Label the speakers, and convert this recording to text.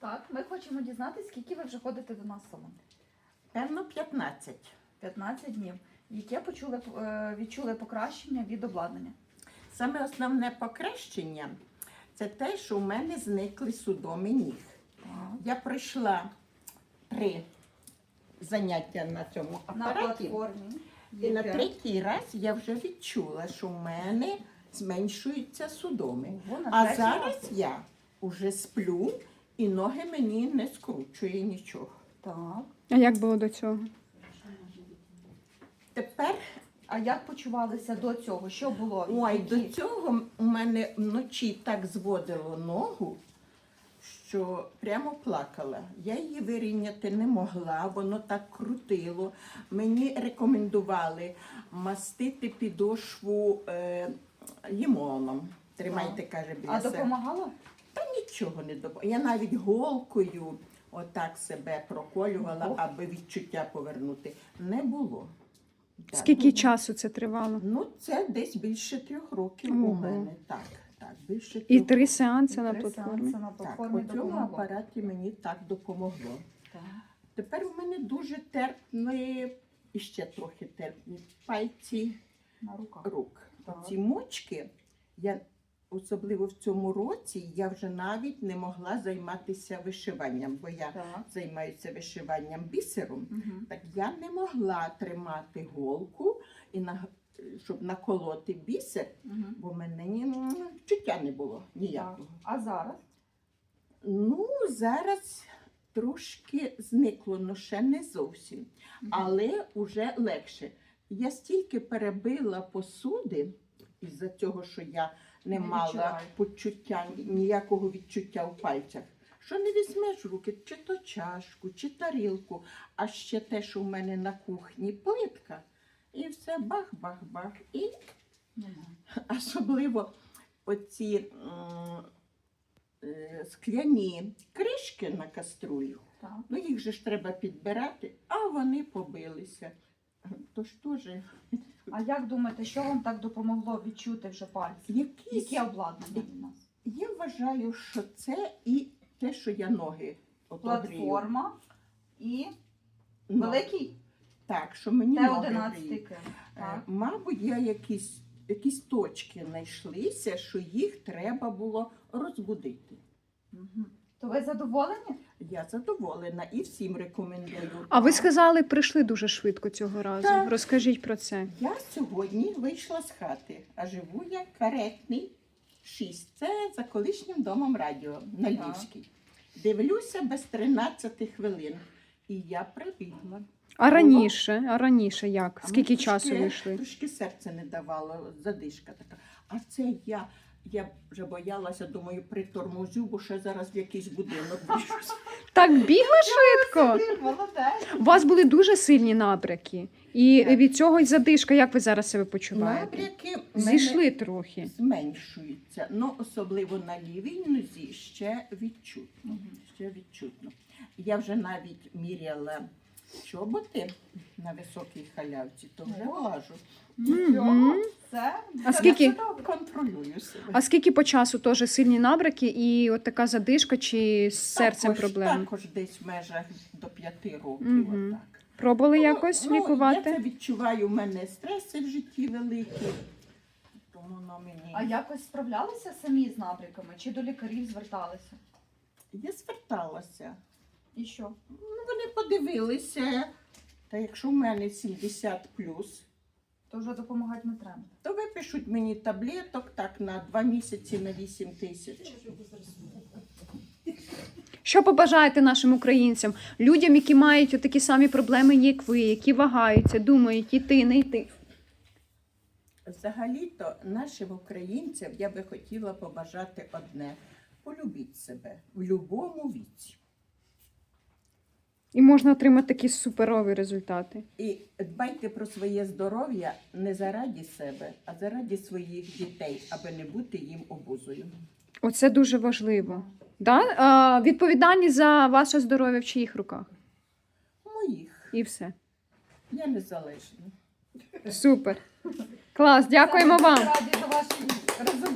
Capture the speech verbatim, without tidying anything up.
Speaker 1: Так, ми хочемо дізнатися, скільки ви вже ходите до нас в салон.
Speaker 2: Певно, п'ятнадцять.
Speaker 1: п'ятнадцять днів. Яке почули, е, відчули покращення від обладнання?
Speaker 2: Саме основне покращення – це те, що у мене зникли судоми ніг.
Speaker 1: Так.
Speaker 2: Я пройшла три заняття на цьому
Speaker 1: На
Speaker 2: апараті.
Speaker 1: платформі.
Speaker 2: І на
Speaker 1: є
Speaker 2: третій раз я вже відчула, що в мене зменшуються судоми.
Speaker 1: Ого, на
Speaker 2: А
Speaker 1: третій
Speaker 2: зараз я вже сплю і ноги мені не скручує нічого.
Speaker 1: Так.
Speaker 3: А як було до цього?
Speaker 2: Тепер,
Speaker 1: А як почувалися до цього? Що було?
Speaker 2: ой,
Speaker 1: Які?
Speaker 2: до цього у мене вночі так зводило ногу, що прямо плакала. Я її вирівняти не могла, воно так крутило. Мені рекомендували мастити підошву е, лімоном. Тримайте, каже, біля
Speaker 1: А
Speaker 2: себе.
Speaker 1: допомагало?
Speaker 2: Та нічого не допомагало. Я навіть голкою отак себе проколювала,
Speaker 1: Ого.
Speaker 2: аби відчуття повернути. Не було. Так.
Speaker 3: Скільки часу це тривало?
Speaker 2: Ну, це десь більше трьох років
Speaker 3: Ого.
Speaker 2: у мене. Так, так, більше
Speaker 3: І
Speaker 2: трьох
Speaker 3: три сеанси
Speaker 1: Три
Speaker 3: на платформі.
Speaker 1: сеанси на
Speaker 2: Так,
Speaker 1: платформі
Speaker 2: по цьому
Speaker 1: допомогло.
Speaker 2: апараті мені так допомогло.
Speaker 1: Так.
Speaker 2: Тепер у мене дуже терпні, і ще трохи терпні пальці
Speaker 1: На руках.
Speaker 2: рук.
Speaker 1: Так.
Speaker 2: Ці мочки, я, особливо в цьому році, я вже навіть не могла займатися вишиванням, бо я
Speaker 1: Так.
Speaker 2: займаюся вишиванням бісером.
Speaker 1: Угу.
Speaker 2: Так я не могла тримати голку, і на, щоб наколоти бісер,
Speaker 1: Угу.
Speaker 2: бо в мене ні, ну, відчуття не було ніякого.
Speaker 1: А зараз?
Speaker 2: Ну, зараз трошки зникло, але ще не зовсім.
Speaker 1: Мгм.
Speaker 2: Але вже легше. Я стільки перебила посуди із-за цього, що я не,
Speaker 1: Не
Speaker 2: мала
Speaker 1: відчуваю.
Speaker 2: почуття, ніякого відчуття в пальцях. Що не візьмеш в руки, чи то чашку, чи тарілку, а ще те, що в мене на кухні плитка. І все бах-бах-бах. І
Speaker 1: Нема.
Speaker 2: особливо оці м, е, скляні кришки на каструлю.
Speaker 1: Так.
Speaker 2: Ну, їх же ж треба підбирати, а вони побилися. Тож теж
Speaker 1: А як думаєте, що вам так допомогло відчути вже пальці?
Speaker 2: якісь,
Speaker 1: Яке обладнання у нас?
Speaker 2: я вважаю, що це і те, що я ноги от огрію.
Speaker 1: Платформа і
Speaker 2: Ну,
Speaker 1: великий
Speaker 2: так, що мені
Speaker 1: Т
Speaker 2: ноги
Speaker 1: одинадцять
Speaker 2: гріють.
Speaker 1: ким.
Speaker 2: Е,
Speaker 1: Так.
Speaker 2: Мабуть, я якісь, якісь точки знайшлися, що їх треба було розбудити.
Speaker 1: Мгм. То ви задоволені?
Speaker 2: Я задоволена і всім рекомендую.
Speaker 3: А ви сказали, прийшли дуже швидко цього разу.
Speaker 2: Так.
Speaker 3: Розкажіть про це.
Speaker 2: Я сьогодні вийшла з хати, а живу я каретний шість. Це за колишнім домом радіо на
Speaker 1: Так.
Speaker 2: Львівській. Дивлюся без тринадцяти хвилин. І я прибігла.
Speaker 3: А раніше, а раніше як?
Speaker 2: А
Speaker 3: Скільки
Speaker 2: мені
Speaker 3: часу
Speaker 2: трошки-
Speaker 3: ви йшли?
Speaker 2: Трошки серце не давало, задишка така. А це я, я вже боялася, думаю, приторможу, бо ще зараз в якийсь будинок біжусь.
Speaker 3: Так бігла швидко?
Speaker 1: Ти молодець.
Speaker 3: У вас були дуже сильні набряки. І
Speaker 2: Так.
Speaker 3: від цього й задишка. Як ви зараз себе почуваєте?
Speaker 2: Набряки в мене
Speaker 3: Зійшли трохи.
Speaker 2: зменшуються, ну особливо на лівій нозі ще відчутно.
Speaker 1: Мгм.
Speaker 2: Ще відчутно. Я вже навіть міряла чоботи на високій халявці, то вже
Speaker 1: Ого.
Speaker 2: важу.
Speaker 1: Нічого. Це
Speaker 3: А
Speaker 1: це
Speaker 3: скільки-
Speaker 1: дуже добре.
Speaker 2: Контролюю себе.
Speaker 3: А скільки по часу теж сильні набряки і от така задишка чи з серцем
Speaker 2: також,
Speaker 3: проблеми?
Speaker 2: Також десь в межах до п'яти років.
Speaker 3: Мгм.
Speaker 2: Отак.
Speaker 3: Пробували
Speaker 2: Ну,
Speaker 3: якось
Speaker 2: ну,
Speaker 3: лікувати?
Speaker 2: Я це відчуваю, у мене стреси в житті великі. Тому воно мені...
Speaker 1: А якось справлялися самі з набряками? Чи до лікарів зверталися?
Speaker 2: Я зверталася.
Speaker 1: І що?
Speaker 2: Ну, вони подивилися. Та якщо в мене сімдесят плюс,
Speaker 1: То вже допомагати не треба.
Speaker 2: то випишуть мені таблеток так на два місяці на вісім тисяч.
Speaker 3: Що побажаєте нашим українцям, людям, які мають такі самі проблеми, як ви, які вагаються, думають, іти, не йти?
Speaker 2: Взагалі-то нашим українцям я би хотіла побажати одне. Полюбіть себе в будь-якому віці.
Speaker 3: І можна отримати такі суперові результати.
Speaker 2: І дбайте про своє здоров'я не заради себе, а заради своїх дітей, аби не бути їм обузою.
Speaker 3: Оце дуже важливо. Да? А, відповідальність за ваше здоров'я в чиїх руках?
Speaker 2: Моїх.
Speaker 3: І все.
Speaker 2: Я незалежна.
Speaker 3: Супер. Клас, дякуємо вам.
Speaker 1: Раді за ваші результати.